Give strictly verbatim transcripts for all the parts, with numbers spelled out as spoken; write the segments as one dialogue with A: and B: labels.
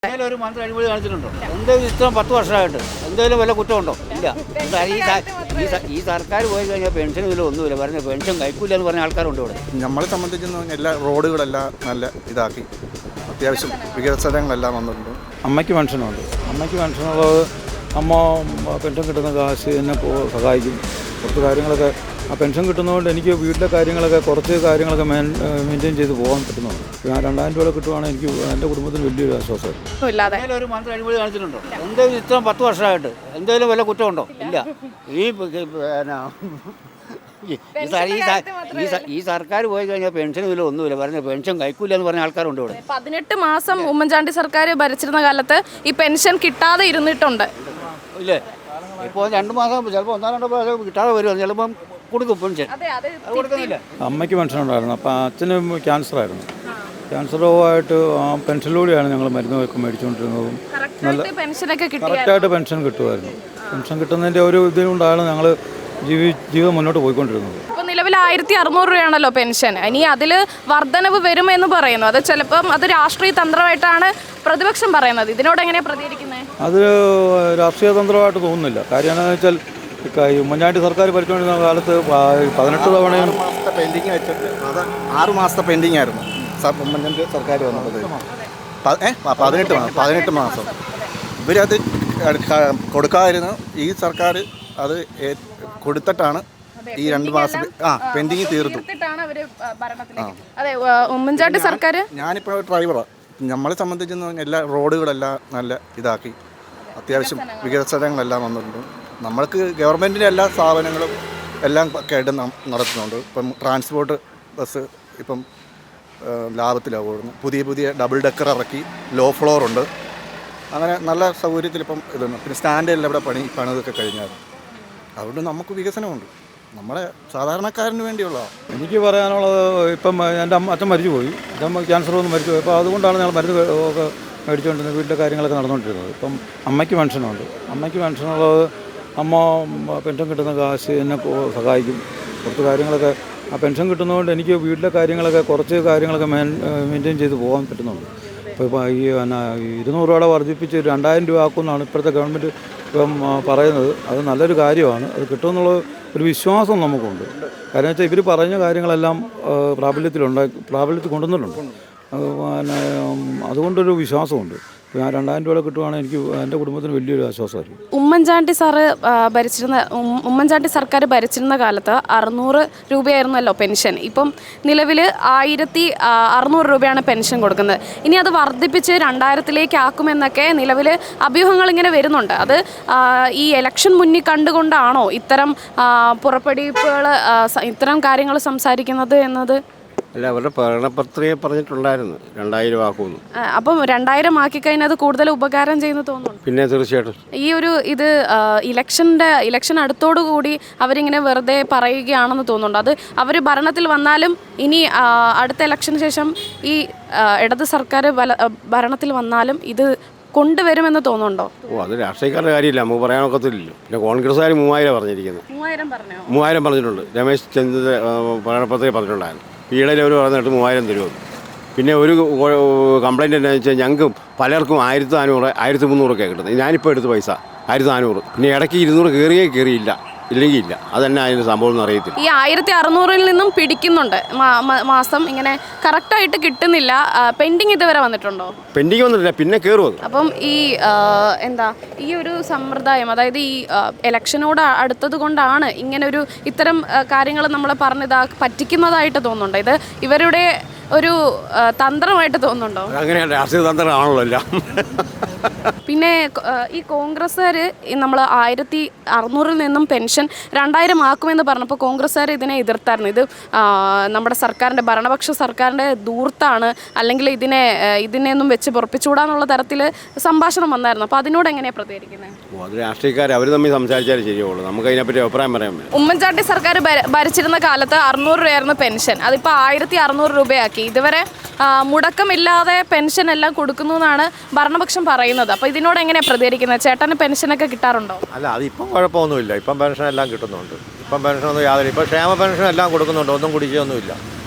A: ഒരു മന്ത്രി അഴിമതി കാണിച്ചിട്ടുണ്ടോ? എന്തെങ്കിലും ഇത്രയും പത്ത് വർഷമായിട്ട് എന്തെങ്കിലും വല്ല കുറ്റമുണ്ടോ? ഇല്ല. ഈ സർക്കാർ പോയി കഴിഞ്ഞാൽ പെൻഷൻ ഇതിൽ ഒന്നുമില്ല, പറഞ്ഞ പെൻഷൻ കഴിക്കില്ല എന്ന് പറഞ്ഞ ആൾക്കാരുണ്ട് ഇവിടെ.
B: നമ്മളെ സംബന്ധിച്ച് എല്ലാ റോഡുകളെല്ലാം നല്ല ഇതാക്കി, അത്യാവശ്യം വികസനങ്ങളെല്ലാം വന്നിട്ടുണ്ട്.
C: അമ്മയ്ക്ക് പെൻഷനുണ്ട്. അമ്മയ്ക്ക് പെൻഷനുള്ളത് അമ്മ പെൻഷൻ കിട്ടുന്ന കാശ് എന്നെ സഹായിക്കും. കുറച്ച് കാര്യങ്ങളൊക്കെ ആ പെൻഷൻ കിട്ടുന്നതുകൊണ്ട് എനിക്ക് വീട്ടിലെ കാര്യങ്ങളൊക്കെ കുറച്ച് കാര്യങ്ങളൊക്കെ മെയിൻ മെയിൻറ്റെയിൻ ചെയ്ത് പോകാൻ പറ്റുന്നുണ്ട്. ഞാൻ രണ്ടായിരം രൂപ കിട്ടുവാണെങ്കിൽ എനിക്ക് എൻ്റെ കുടുംബത്തിന് വലിയൊരു ആശ്വാസം.
A: ഒരു മന്ത്രി അഴിമതി കാണിച്ചിട്ടുണ്ടോ? എന്തെങ്കിലും ഇത്രയും പത്ത് വർഷമായിട്ട് എന്തെങ്കിലും വല്ല കുറ്റമുണ്ടോ? ഇല്ല. ഈ ഈ സർക്കാർ പോയി കഴിഞ്ഞാൽ പെൻഷൻ ഇതിൽ ഒന്നുമില്ല, പറഞ്ഞ പെൻഷൻ കഴിക്കില്ല എന്ന് പറഞ്ഞ ആൾക്കാരുണ്ട് ഇവിടെ.
D: പതിനെട്ട് മാസം ഉമ്മൻചാണ്ടി സർക്കാർ ഭരിച്ചിരുന്ന കാലത്ത് ഈ പെൻഷൻ കിട്ടാതെ ഇരുന്നിട്ടുണ്ട്.
A: ഇല്ലേ? ഇപ്പോൾ രണ്ട് മാസം ചിലപ്പോൾ ഒന്നോ രണ്ടോ പ്രാവശ്യം കിട്ടാതെ വരുമോ, ചിലപ്പം കൊടുക്കും പെൻഷൻ. കൊടുക്കുന്നില്ല.
C: അമ്മയ്ക്ക് പെൻഷനുണ്ടായിരുന്നു. അപ്പം അച്ഛന് ക്യാൻസറായിരുന്നു. ക്യാൻസർ രോഗമായിട്ട് ആ പെൻഷനിലൂടെയാണ് ഞങ്ങൾ മരുന്നൊക്കെ മേടിച്ചുകൊണ്ടിരുന്നതും. നല്ല കറക്റ്റായിട്ട് പെൻഷൻ കിട്ടുമായിരുന്നു. പെൻഷൻ കിട്ടുന്നതിൻ്റെ ഒരു ഇതുകൊണ്ടാണ് ഞങ്ങൾ ജീവി ജീവിതം മുന്നോട്ട് പോയിക്കൊണ്ടിരുന്നത്.
D: ഇപ്പോൾ നിലവിൽ ആയിരത്തി അറുന്നൂറ് രൂപയാണല്ലോ പെൻഷൻ. ഇനി അതിൽ വർധനവ് വരുമെന്ന് പറയുന്നു. അത് ചിലപ്പം അത് രാഷ്ട്രീയ തന്ത്രമായിട്ടാണ് പ്രതിപക്ഷം പറയുന്നത്. ഇതിനോട് എങ്ങനെയാണ് പ്രതികരിക്കുന്നത്?
C: അത് രാഷ്ട്രീയ തന്ത്രമായിട്ട് തോന്നുന്നില്ല. കാര്യം എന്താണെന്ന് വെച്ചാൽ ഉമ്മൻചാണ്ടി സർക്കാർ ഭരിച്ചുകൊണ്ടിരുന്ന കാലത്ത് പതിനെട്ട് തവണയും
B: മാസത്തെ പെൻഡിങ് വെച്ചിട്ട് അത് ആറ് മാസത്തെ പെൻഡിങ് ആയിരുന്നു ഉമ്മൻചാണ്ടി സർക്കാർ വന്നത്. ഏഹ് പതിനെട്ട് മാസം പതിനെട്ട് മാസം ഇവരത് കൊടുക്കാതിരുന്നു. ഈ സർക്കാർ അത് കൊടുത്തിട്ടാണ് ഈ രണ്ട് മാസം ആ പെൻഡിങ് തീർത്തു.
D: ഉമ്മൻചാണ്ടി സർക്കാർ
B: ഞാനിപ്പോൾ ഡ്രൈവറാണ്. നമ്മളെ സംബന്ധിച്ച് എല്ലാ റോഡുകളെല്ലാം നല്ല ഇതാക്കി, അത്യാവശ്യം വികസനങ്ങളെല്ലാം വന്നിട്ടുണ്ട്. നമ്മൾക്ക് ഗവൺമെൻറ്റിൻ്റെ എല്ലാ സ്ഥാപനങ്ങളും എല്ലാം കേട്ട് നടത്തുന്നുണ്ട്. ഇപ്പം ട്രാൻസ്പോർട്ട് ബസ് ഇപ്പം ലാഭത്തിലാണ് ഓടുന്നത്. പുതിയ പുതിയ ഡബിൾ ഡെക്കർ ഇറക്കി, ലോ ഫ്ലോർ ഉണ്ട്. അങ്ങനെ നല്ല സൗകര്യത്തിൽ ഇപ്പം ഇതുണ്ട്. പിന്നെ സ്റ്റാൻഡെല്ലാം ഇവിടെ പണി പണിതൊക്കെ കഴിഞ്ഞാൽ അതുകൊണ്ട് നമുക്ക് വികസനമുണ്ട്. നമ്മളെ സാധാരണക്കാരന് വേണ്ടിയുള്ളതാണ്.
C: എനിക്ക് പറയാനുള്ളത്, ഇപ്പം എൻ്റെ അമ്മ അച്ഛൻ മരിച്ചു പോയി. അച്ഛൻ ക്യാൻസർ വന്ന് മരിച്ചു പോയി. അപ്പോൾ അതുകൊണ്ടാണ് ഞങ്ങൾ മരുന്ന് ഒക്കെ മേടിച്ചുകൊണ്ടിരുന്നത്, വീട്ടിലെ കാര്യങ്ങളൊക്കെ നടന്നുകൊണ്ടിരുന്നത്. ഇപ്പം അമ്മയ്ക്ക് പെൻഷനുണ്ട്. അമ്മയ്ക്ക് പെൻഷനുള്ളത് അമ്മ പെൻഷൻ കിട്ടുന്ന കാശ് എന്നെ സഹായിക്കും. കുറച്ച് കാര്യങ്ങളൊക്കെ ആ പെൻഷൻ കിട്ടുന്നതുകൊണ്ട് എനിക്ക് വീട്ടിലെ കാര്യങ്ങളൊക്കെ കുറച്ച് കാര്യങ്ങളൊക്കെ മെയിൻ മെയിൻറ്റെയിൻ ചെയ്ത് പോകാൻ പറ്റുന്നുണ്ട്. ഇപ്പോൾ ഇപ്പോൾ ഈ പിന്നെ ഇരുന്നൂറ് രൂപ വർദ്ധിപ്പിച്ച് രണ്ടായിരം രൂപ ആക്കുമെന്നാണ് ഇപ്പോഴത്തെ ഗവൺമെൻറ് ഇപ്പം പറയുന്നത്. അത് നല്ലൊരു കാര്യമാണ്. അത് കിട്ടുമെന്നുള്ള ഒരു വിശ്വാസം നമുക്കുണ്ട്. കാരണം വെച്ചാൽ ഇവർ പറഞ്ഞ കാര്യങ്ങളെല്ലാം പ്രാബല്യത്തിലുണ്ടായി പ്രാബല്യത്തിൽ കൊണ്ടുവന്നിട്ടുണ്ട്. പിന്നെ അതുകൊണ്ടൊരു വിശ്വാസമുണ്ട്. ഞാൻ രണ്ടായിരം രൂപ കിട്ടുവാണെങ്കിൽ എനിക്ക് എൻ്റെ കുടുംബത്തിന് വലിയൊരു ആശ്വാസമായിരിക്കും.
D: ഉമ്മൻചാണ്ടി സാറ് ഭരിച്ചിരുന്ന ഉമ്മൻചാണ്ടി സർക്കാർ ഭരിച്ചിരുന്ന കാലത്ത് അറുന്നൂറ് രൂപയായിരുന്നല്ലോ പെൻഷൻ. ഇപ്പം നിലവിൽ ആയിരത്തി അറുന്നൂറ് രൂപയാണ് പെൻഷൻ കൊടുക്കുന്നത്. ഇനി അത് വർദ്ധിപ്പിച്ച് രണ്ടായിരത്തിലേക്ക് ആക്കുമെന്നൊക്കെ നിലവിൽ അഭ്യൂഹങ്ങൾ ഇങ്ങനെ വരുന്നുണ്ട്. അത് ഈ ഇലക്ഷൻ മുന്നിൽ കണ്ടുകൊണ്ടാണോ ഇത്തരം പുറപ്പെടുവിപ്പുകൾ ഇത്തരം കാര്യങ്ങൾ സംസാരിക്കുന്നത് എന്നത്?
E: അല്ല, അവരുടെ പ്രകടനപത്രിക പറഞ്ഞിട്ടുണ്ടായിരുന്നു രണ്ടായിരം ആക്കുമെന്ന്.
D: അപ്പം രണ്ടായിരം ആക്കി കഴിഞ്ഞാൽ അത് കൂടുതൽ ഉപകാരം ചെയ്യുന്നു തോന്നുന്നു.
E: പിന്നെ തീർച്ചയായിട്ടും
D: ഈ ഒരു ഇത് ഇലക്ഷൻ്റെ ഇലക്ഷൻ അടുത്തോടുകൂടി അവരിങ്ങനെ വെറുതെ പറയുകയാണെന്ന് തോന്നുന്നുണ്ട്. അത് അവർ ഭരണത്തിൽ വന്നാലും ഇനി അടുത്ത ഇലക്ഷന് ശേഷം ഈ ഇടത് സർക്കാർ ഭരണത്തിൽ വന്നാലും ഇത് കൊണ്ടുവരുമെന്ന് തോന്നുന്നുണ്ടോ?
E: ഓ, അത് രാഷ്ട്രീയക്കാരുടെ കാര്യമില്ല, നമുക്ക് പറയാനൊക്കത്തില്ലല്ലോ. പിന്നെ കോൺഗ്രസ്സുകാർ മൂവായിരം പറഞ്ഞിരിക്കുന്നത്.
D: മൂവായിരം പറഞ്ഞോ?
E: മൂവായിരം പറഞ്ഞിട്ടുണ്ട്. രമേശ് ചെന്നിത്തല പ്രകടനപത്രിക പറഞ്ഞിട്ടുണ്ടായിരുന്നു. ഈയിടെ അവർ പറഞ്ഞിട്ട് മൂവായിരം തരുമെന്ന്. പിന്നെ ഒരു കംപ്ലയിൻ്റ് എന്താണെന്ന് വെച്ചാൽ ഞങ്ങൾക്ക് പലർക്കും ആയിരത്തി നാനൂറ് ആയിരത്തി മുന്നൂറൊക്കെ കിട്ടുന്നത്. ഞാനിപ്പോൾ എടുത്ത പൈസ ആയിരത്തി നാനൂറ്. പിന്നെ ഇടയ്ക്ക് ഇരുന്നൂറ് കയറിയേ കയറിയില്ല, ഇല്ലെങ്കിൽ ഇല്ല. അതന്നെ അതിൻ്റെ സംഭവം എന്ന് അറിയത്തില്ല.
D: ഈ ആയിരത്തി അറുന്നൂറിൽ നിന്നും പിടിക്കുന്നുണ്ട് മാസം, ഇങ്ങനെ കറക്റ്റായിട്ട് കിട്ടുന്നില്ല. പെൻഡിങ് ഇതുവരെ വന്നിട്ടുണ്ടോ?
E: പെൻഡിങ് വന്നിട്ടില്ല, പിന്നെ കയറും.
D: അപ്പം ഈ എന്താ ഈ ഒരു സമ്പ്രദായം, അതായത് ഈ ഇലക്ഷനോട് അടുത്തത് കൊണ്ടാണ് ഇങ്ങനെ ഒരു ഇത്തരം കാര്യങ്ങൾ നമ്മളെ പറഞ്ഞിതാ പറ്റിക്കുന്നതായിട്ട് തോന്നുന്നുണ്ടോ? ഇത് ഇവരുടെ ഒരു തന്ത്രമായിട്ട് തോന്നുന്നുണ്ടോ?
E: അങ്ങനെയാണ്, രാഷ്ട്രീയ തന്ത്രമാണല്ലോ എല്ലാം.
D: പിന്നെ ഈ കോൺഗ്രസ്സുകാർ നമ്മൾ ആയിരത്തി അറുന്നൂറിൽ നിന്നും പെൻഷൻ രണ്ടായിരം ആക്കുമെന്ന് പറഞ്ഞപ്പോൾ കോൺഗ്രസ്സുകാർ ഇതിനെ എതിർത്തായിരുന്നു. ഇത് നമ്മുടെ സർക്കാരിൻ്റെ ഭരണപക്ഷ സർക്കാരിൻ്റെ ദൂർത്താണ്, അല്ലെങ്കിൽ ഇതിനെ ഇതിനെയൊന്നും വെച്ച് പൊറപ്പിച്ചുകൂടാന്നുള്ള തരത്തിൽ സംഭാഷണം വന്നായിരുന്നു. അപ്പോൾ അതിനോട് എങ്ങനെയാണ് പ്രതികരിക്കുന്നത്?
E: അത് രാഷ്ട്രീയക്കാർ അവർ തമ്മിൽ സംസാരിച്ചാലേ ശരിയുള്ളൂ. നമുക്ക് അതിനെപ്പറ്റി അഭിപ്രായം പറയാൻ പറ്റും.
D: ഉമ്മൻചാണ്ടി സർക്കാർ ഭരിച്ചിരുന്ന കാലത്ത് അറുന്നൂറ് രൂപയായിരുന്നു പെൻഷൻ. അതിപ്പോൾ ആയിരത്തി അറുന്നൂറ് രൂപയാക്കി. ഇതുവരെ മുടക്കമില്ലാതെ പെൻഷൻ എല്ലാം കൊടുക്കുന്നു എന്നാണ് ഭരണപക്ഷം പറയുന്നത്. അപ്പോൾ ഇതിനോട് എങ്ങനെയാണ് പ്രതികരിക്കുന്നത്? ചേട്ടന് പെൻഷനൊക്കെ കിട്ടാറുണ്ടോ?
F: അല്ല, അതിപ്പം കുഴപ്പമൊന്നുമില്ല. ഇപ്പം പെൻഷൻ എല്ലാം കിട്ടുന്നുണ്ട്. ഇപ്പം പെൻഷനൊന്നും യാതൊരു ഇപ്പം ക്ഷേമ പെൻഷൻ എല്ലാം കൊടുക്കുന്നുണ്ട്. ഒന്നും കുടിശ്ശിയൊന്നുമില്ല.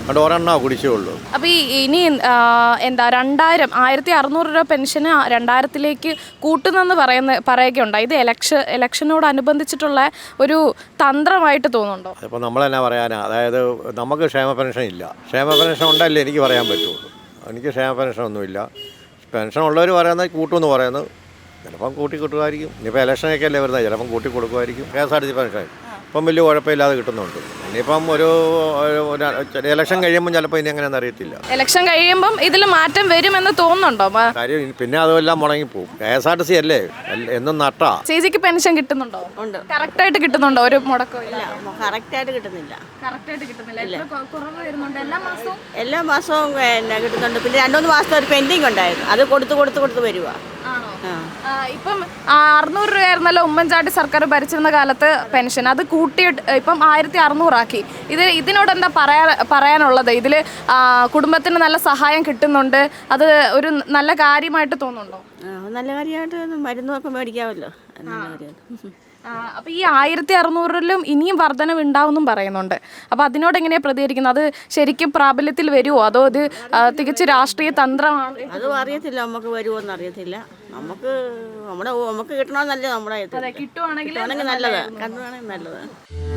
F: അതുകൊണ്ട് ഒരെണ്ണ കുടിശ്ശികയുള്ളൂ.
D: അപ്പോൾ ഈ ഇനി ആ, എന്താ രണ്ടായിരം ആയിരത്തി അറുന്നൂറ് രൂപ പെൻഷന് രണ്ടായിരത്തിലേക്ക് കൂട്ടുന്നെന്ന് പറയുന്ന പറയുകയുണ്ട്. ഇത് എലക്ഷൻ ഇലക്ഷനോടനുബന്ധിച്ചിട്ടുള്ള ഒരു തന്ത്രമായിട്ട് തോന്നുന്നുണ്ടോ?
F: അതിപ്പോൾ നമ്മൾ തന്നെ പറയാനാ, അതായത് നമുക്ക് ക്ഷേമ പെൻഷൻ ഇല്ല. ക്ഷേമ പെൻഷൻ ഉണ്ടല്ലേ എനിക്ക് പറയാൻ പറ്റുള്ളൂ. എനിക്ക് ക്ഷേമ പെൻഷൻ ഒന്നുമില്ല. പെൻഷൻ ഉള്ളവർ പറയുന്നത് കൂട്ടുമെന്ന് പറയുന്നത്, ചിലപ്പം കൂട്ടി കിട്ടുമായിരിക്കും. ഇനിയിപ്പോൾ ഇലക്ഷനൊക്കെ അല്ലേ വരുന്നത്, ചിലപ്പം കൂട്ടി കൊടുക്കുമായിരിക്കും. K S R T C pension ഇപ്പം വലിയ കുഴപ്പമില്ലാതെ കിട്ടുന്നുണ്ട്. ഇനിയിപ്പം ഒരു ഇലക്ഷൻ കഴിയുമ്പം ചിലപ്പോൾ ഇനി എങ്ങനെയാണെന്ന് അറിയത്തില്ല.
D: ഇലക്ഷൻ കഴിയുമ്പം ഇതിൽ മാറ്റം വരുമെന്ന് തോന്നുന്നുണ്ടോ?
F: കാര്യം പിന്നെ അതെല്ലാം മുടങ്ങിപ്പോവും. K S R T C അല്ലേ എന്നും നട്ടാ.
D: ചേച്ചിക്ക് പെൻഷൻ കിട്ടുന്നുണ്ടോ?
G: ഉണ്ട്.
D: കറക്റ്റായിട്ട് കിട്ടുന്നുണ്ടോ? ഒരു മുടക്കോ ഇല്ല?
G: കറക്റ്റായിട്ട് കിട്ടുന്നില്ല.
D: കറക്റ്റായിട്ട് കിട്ടുന്നില്ല. എത്ര കുറവ് വരുന്നുണ്ട് എല്ലാ മാസവും?
G: എല്ലാ മാസവും പിന്നെ കിട്ടുന്നുണ്ട്. പിന്നെ രണ്ടു മൂന്ന് മാസത്തെ ഒരു പെൻഡിങ് ഉണ്ടായിരുന്നു, അത് കൊടുത്ത് കൊടുത്ത് കൊടുത്ത് വരുക.
D: ആണോ? ഇപ്പം അറുന്നൂറ് രൂപയായിരുന്നല്ലോ ഉമ്മൻചാണ്ടി സർക്കാർ ഭരിച്ചിരുന്ന കാലത്ത് പെൻഷൻ, അത് കൂട്ടിയിട്ട് ഇപ്പം ആയിരത്തി അറുന്നൂറാക്കി. ഇത് ഇതിനോട് എന്താ പറയാ പറയാനുള്ളത്? ഇതിൽ കുടുംബത്തിന് നല്ല സഹായം കിട്ടുന്നുണ്ട്, അത് ഒരു നല്ല കാര്യമായിട്ട് തോന്നുന്നുണ്ടോ?
G: നല്ല കാര്യമായിട്ട് മരുന്നൊക്കെ മേടിക്കാമല്ലോ. നല്ല കാര്യം.
D: അപ്പോൾ ഈ ആയിരത്തി അറുന്നൂറിലും ഇനിയും വർധനവ് ഉണ്ടാവുമെന്നും പറയുന്നുണ്ട്. അപ്പോൾ അതിനോട് എങ്ങനെയാണ് പ്രതികരിക്കുന്നത്? അത് ശരിക്കും പ്രാബല്യത്തിൽ വരുമോ, അതോ ഇത് തികച്ച് രാഷ്ട്രീയ തന്ത്രമാണ്?
G: അതും അറിയത്തില്ല, നമുക്ക് വരുമോ എന്ന് അറിയത്തില്ല. നമുക്ക് നമ്മുടെ നമുക്ക് കിട്ടണമെന്നല്ലേ നമ്മുടെ
D: കിട്ടുവാണെങ്കിൽ
G: നല്ലത്, കണ്ടുവാണെങ്കിൽ നല്ലത്.